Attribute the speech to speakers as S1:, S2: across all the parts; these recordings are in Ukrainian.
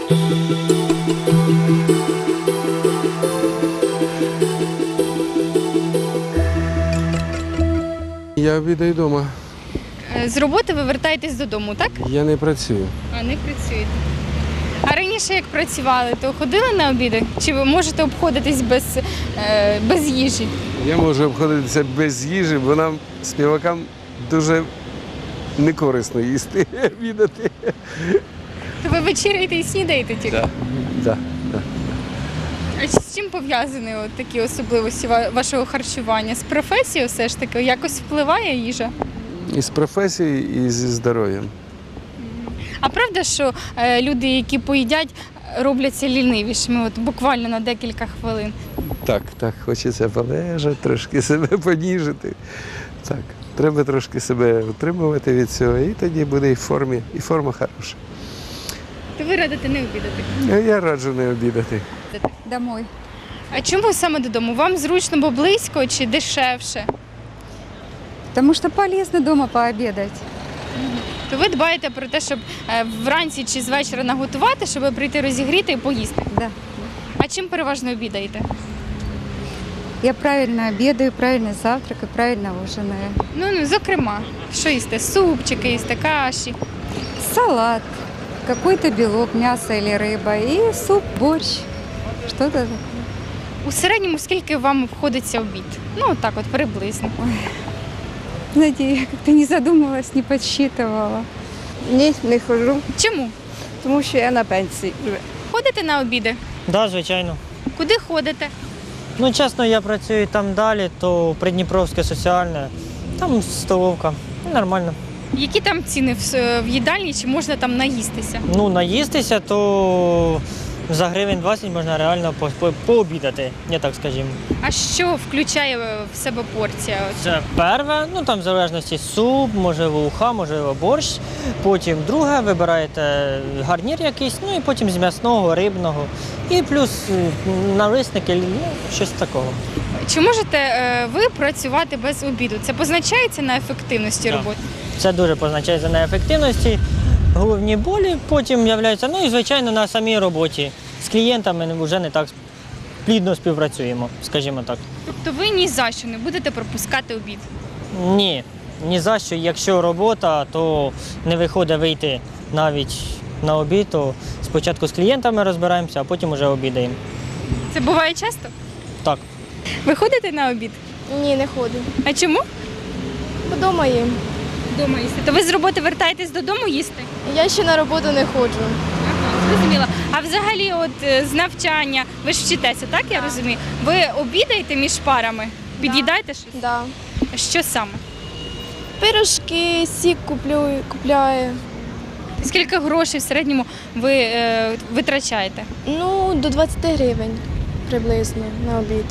S1: Я обідаю вдома.
S2: З роботи ви вертаєтесь додому, так?
S1: Я не працюю.
S2: А не працюєте. А раніше як працювали, то ходили на обіди? Чи ви можете обходитись без їжі?
S1: Я можу обходитися без їжі, бо нам, співакам, дуже некорисно їсти, обідати.
S2: То ви вечеряєте і снідаєте тільки?
S1: Да.
S2: А з чим пов'язані от такі особливості вашого харчування? З професією все ж таки якось впливає їжа?
S1: І з професією, і зі здоров'ям.
S2: А правда, що люди, які поїдять, робляться лінивішими, от буквально на декілька хвилин?
S1: Так, хочеться полежати, трошки себе поніжити. Так, треба трошки себе утримувати від цього, і тоді буде і форма хороша.
S2: То ви радите не обідати?
S1: Я раджу не обідати.
S3: Домой.
S2: А чому саме додому? Вам зручно, бо близько чи дешевше?
S3: Потому что полезно дома пообедать.
S2: То ви дбаєте про те, щоб вранці чи з вечора наготувати, щоб прийти розігріти і поїсти?
S3: Да.
S2: А чим переважно обідаєте?
S3: Я правильно обедаю, правильно завтракаю, правильно ужинаю.
S2: Ну, зокрема, що їсте? Супчики їсте, каші?
S3: Салат, какой-то белок, мясо или рыба, и суп, борщ. Что-то такое.
S2: У середньому скільки вам обходиться обід? Ну, так от, приблизно.
S3: Знаете, я как-то не задумывалась, не подсчитывала.
S4: Ні, не ходжу,
S2: Чому?
S4: тому що я на пенсії.
S2: Ходите на обіди?
S5: Так, звичайно.
S2: Куди ходите?
S5: Ну, чесно, я працюю там далі, то Придніпровське соціальне, там столовка. Нормально.
S2: Які там ціни в їдальні, чи можна там наїстися?
S5: Ну, наїстися, то за гривень 20 можна реально пообідати, я так скажімо.
S2: А що включає в себе порція?
S5: Це перше, ну там в залежності суп, можливо, уха, можливо, борщ. Потім друге, вибираєте гарнір якийсь, ну і потім з м'ясного, рибного. І плюс налисники, ну, щось такого.
S2: Чи можете ви працювати без обіду? Це позначається на ефективності
S5: Так.
S2: роботи?
S5: Це дуже позначається на ефективності, головні болі потім з'являються. Ну і, звичайно, на самій роботі. З клієнтами вже не так плідно співпрацюємо, скажімо так.
S2: Тобто ви ні за що не будете пропускати обід?
S5: Ні за що. Якщо робота, то не виходить вийти навіть на обід, то спочатку з клієнтами розбираємося, а потім вже обідаємо.
S2: Це буває часто?
S5: Так.
S2: Ви ходите на обід?
S4: Ні, не ходжу.
S2: А чому?
S4: Вдома їм.
S2: Дома їсти. То ви з роботи вертаєтесь додому їсти?
S4: Я ще на роботу не ходжу.
S2: Зрозуміла. А взагалі, от з навчання, ви ж вчитеся, так я розумію? Ви обідаєте між парами? Під'їдаєте щось?
S4: Да.
S2: Що саме?
S4: Пирожки, сік купляю.
S2: Скільки грошей в середньому ви витрачаєте?
S4: Ну, до 20 гривень приблизно на обід.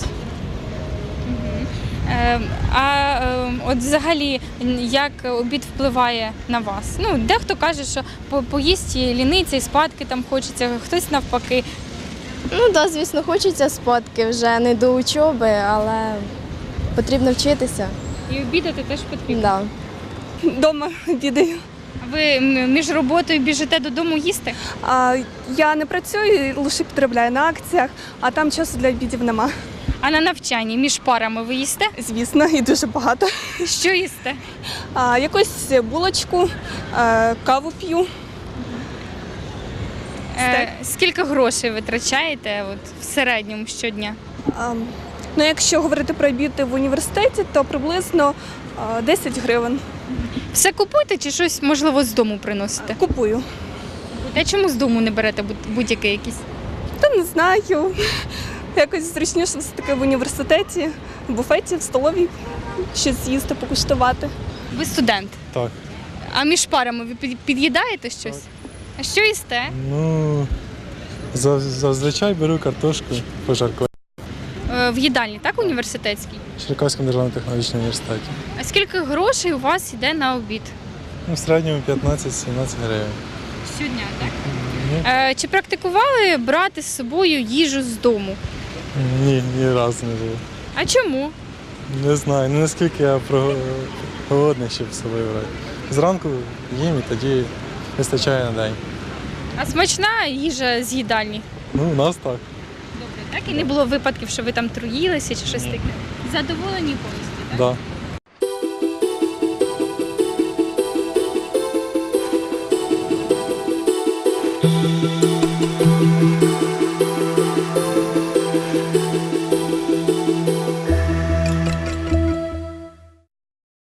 S2: От взагалі, як обід впливає на вас? Ну, дехто каже, що поїсть і ліниться, і спадки там хочеться, хтось навпаки.
S4: Ну, да, звісно, хочеться спадки вже не до учоби, але потрібно вчитися.
S2: І обідати теж потрібно.
S4: Да.
S6: Дома обідаю.
S2: А ви між роботою біжите додому їсти?
S6: Я не працюю, лише підробляю на акціях, а там часу для обідів нема.
S2: А на навчанні між парами ви їсте?
S6: Звісно, і дуже багато.
S2: Що їсте?
S6: Якусь булочку, каву п'ю.
S2: Скільки грошей витрачаєте в середньому щодня?
S6: Ну, якщо говорити про обід в університеті, то приблизно 10 гривень.
S2: Все купуєте чи щось, можливо, з дому приносите?
S6: Купую.
S2: А чому з дому не берете будь-який якийсь?
S6: Та не знаю. Якось зручніше все-таки в університеті, в буфеті, в столовій щось з'їсти, покуштувати.
S2: Ви студент?
S7: Так.
S2: А між парами ви під'їдаєте щось?
S7: Так.
S2: А що їсте?
S7: Ну, зазвичай беру картошку пожарку
S2: В їдальні, так, університетській?
S7: в Черкаському державному технологічному університеті.
S2: А скільки грошей у вас йде на обід?
S7: Ну, в середньому 15-17 гривень.
S2: Щодня, так?
S7: Ні,
S2: Чи практикували брати з собою їжу з дому?
S7: ні разу не було.
S2: А чому?
S7: Не знаю, ну наскільки я голодний, щоб з собою брати. Зранку їм і тоді вистачає на день.
S2: А смачна їжа з їдальні?
S7: Ну, у нас так.
S2: Добре, так? І не було випадків, що ви там труїлися чи щось таке? Задоволені повністю, так?
S7: Да.